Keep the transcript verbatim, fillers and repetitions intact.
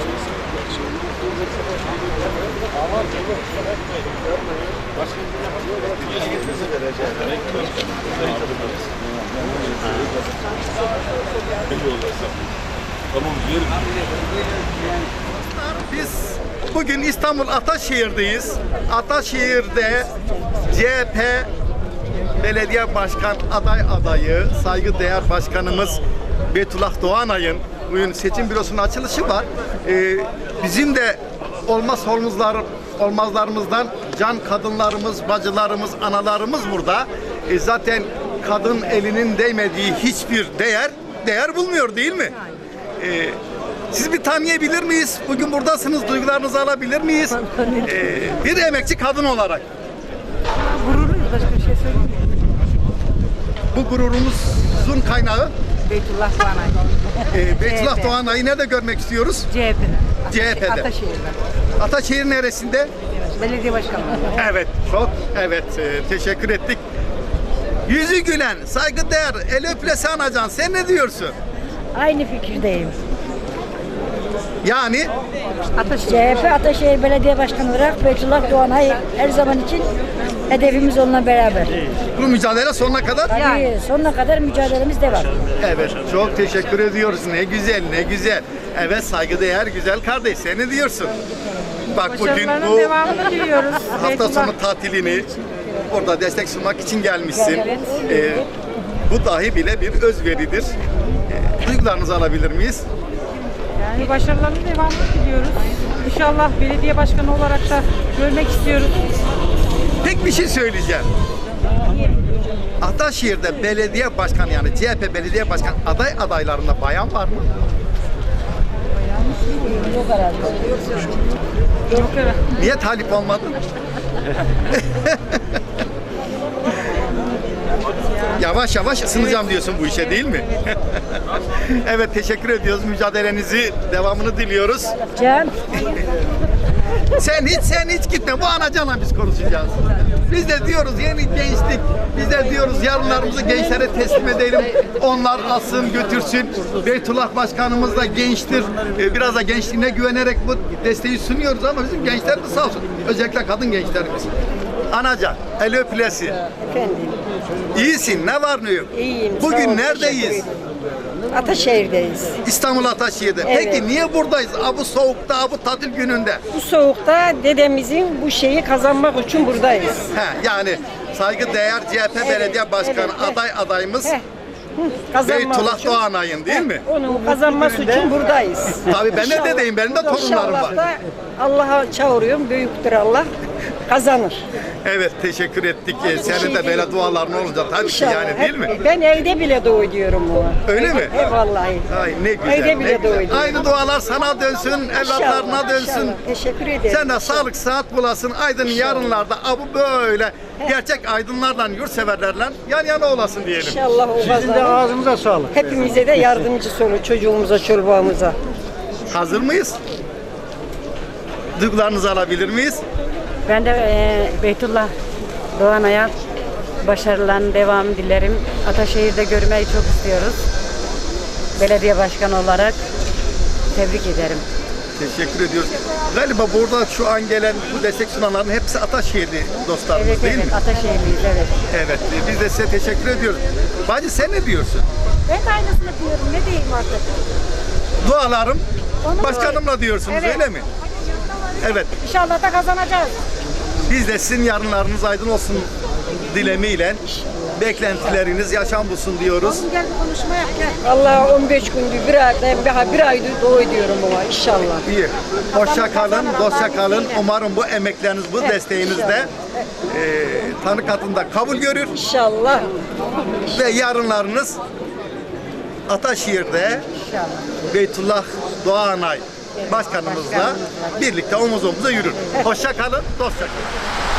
Biz bugün İstanbul Ataşehir'deyiz. Ataşehir'de C H P Belediye Başkan aday adayı, saygıdeğer başkanımız Beytullah Doğanay'ın bugün seçim bürosunun açılışı var. Ee, bizim de olmaz olmazlar, olmazlarımızdan can kadınlarımız, bacılarımız, analarımız burada. Ee, zaten kadın elinin değmediği hiçbir değer değer bulmuyor değil mi? Ee, siz bir tanıyabilir miyiz? Bugün buradasınız, duygularınızı alabilir miyiz? Ee, bir emekçi kadın olarak. Gururluyuz, başka bir şey söyleyeyim. Bu gururumuzun kaynağı Beytullah Doğanay. e, Beytullah C H P. Doğanay'ı nerede görmek istiyoruz? C H P'de. C H P'de. Ataşehir'de. Ataşehir neresinde? Belediye başkanlığı. Evet, çok evet. e, teşekkür ettik. Yüzü gülen, saygıdeğer, el öpülesi anacan. Sen ne diyorsun? Aynı fikirdeyim. Yani C H P Ataşehir Belediye Başkanı olarak Beytullah Doğanay her zaman için hedefimiz onunla beraber. bu mücadele sonuna kadar. Tabii sonuna kadar mücadelemiz devam. Evet, çok teşekkür ediyoruz. Ne güzel, ne güzel. Evet, saygıdeğer güzel kardeş. Sen ne diyorsun? Bak bugün Başarılarının bu devamını diliyoruz. hafta Beytullah. sonu tatilini orada destek sunmak için gelmişsin. Ee, bu dahi bile bir özveridir. Ee, duygularınızı alabilir miyiz? Yani başarılarının devamını diliyoruz. İnşallah belediye başkanı olarak da görmek istiyoruz. Tek bir şey söyleyeceğim. Ataşehir'de belediye başkanı yani C H P belediye başkan aday adaylarında bayan var mı? Yok herhalde. Yok evet. Niye talip olmadın? Yavaş yavaş ısınacağım diyorsun bu işe değil mi? Evet teşekkür ediyoruz. Mücadelenizi devamını diliyoruz. Can, Sen hiç sen hiç gitme. Bu anacanla biz konuşacağız. Biz de diyoruz yeni gençlik. Biz de diyoruz yarınlarımızı gençlere teslim edelim. Onlar alsın götürsün. Beytullah Başkanımız da gençtir. Ee, Biraz da gençliğine güvenerek bu desteği sunuyoruz ama bizim gençler de sağ olsun. Özellikle kadın gençlerimiz. Anacan, el öpülesi. Efendim, İyisin, ne var ne yok? iyiyim. sağ Bugün olun, neredeyiz? teşekkür ederim. Ataşehir'deyiz. İstanbul Ataşehir'de. Evet. Peki niye buradayız? Ha, bu soğukta, bu tatil gününde. Bu soğukta dedemizin bu şeyi kazanmak için buradayız. He, yani saygıdeğer C H P Belediye Başkanı evet, evet. aday adayımız Heh, hı, kazanmak Beytullah için- Doğanay'ın değil Heh, mi? Onun kazanması için buradayım. Tabii ben de İnşallah- dedeyim, benim de torunlarım var. İnşallah da Allah'a çağırıyorum, büyüktür Allah, kazanır. Evet teşekkür ettik. Ee, Senin şey de böyle değil. duaların olacak tabii ki İnşallah. yani değil mi? Hep- Ben evde bile dua ediyorum ona. Öyle mi? He vallahi. Ay ne güzel. Evde ne bile güzel. dua ediyorum. Aynı dualar sana dönsün, evlatlarına İnşallah, dönsün. inşallah. Teşekkür ederim. Sen de sağlık sıhhat bulasın. Aydın yarınlarda abu böyle gerçek aydınlarla, yurtseverlerle yan yana olasın diyelim. İnşallah o kazanır. Ağzınıza sağlık. Hepimize de yardımcı olur çocuğumuza, çorbağımıza. Hazır mıyız? Duygularınızı alabilir miyiz? Ben de e, Beytullah Doğanay'a başarıların devamını dilerim. Ataşehir'de görmeyi çok istiyoruz. Belediye başkanı olarak tebrik ederim. Teşekkür ediyoruz. Galiba burada şu an gelen bu destek sunanların hepsi Ataşehirli dostlarımız Evet değil evet mi? Ataşehirliyiz evet. Evet. Biz de size teşekkür ediyoruz. Bacı sen ne diyorsun? ben de aynısını diyorum. Ne diyeyim artık? Dualarım başkanımla diyorsunuz Evet. öyle mi? Evet. İnşallah da kazanacağız. Biz de sizin yarınlarınız aydın olsun dilemiyle beklentileriniz yaşam bulsun diyoruz. Gel bir konuşma yap gel. Allah on beş gündür, bir ay, ben bir aydır dua ediyorum ona inşallah. İyi. Hoşça kalın, dostça kalın. Umarım bu emekleriniz, bu Evet, desteğiniz de inşallah. e, Tanrı katında kabul görür İnşallah. ve yarınlarınız Ataşehir'de Beytullah Doğanay başkanımızla birlikte omuz omuza yürür. Hoşça kalın, dostça kalın.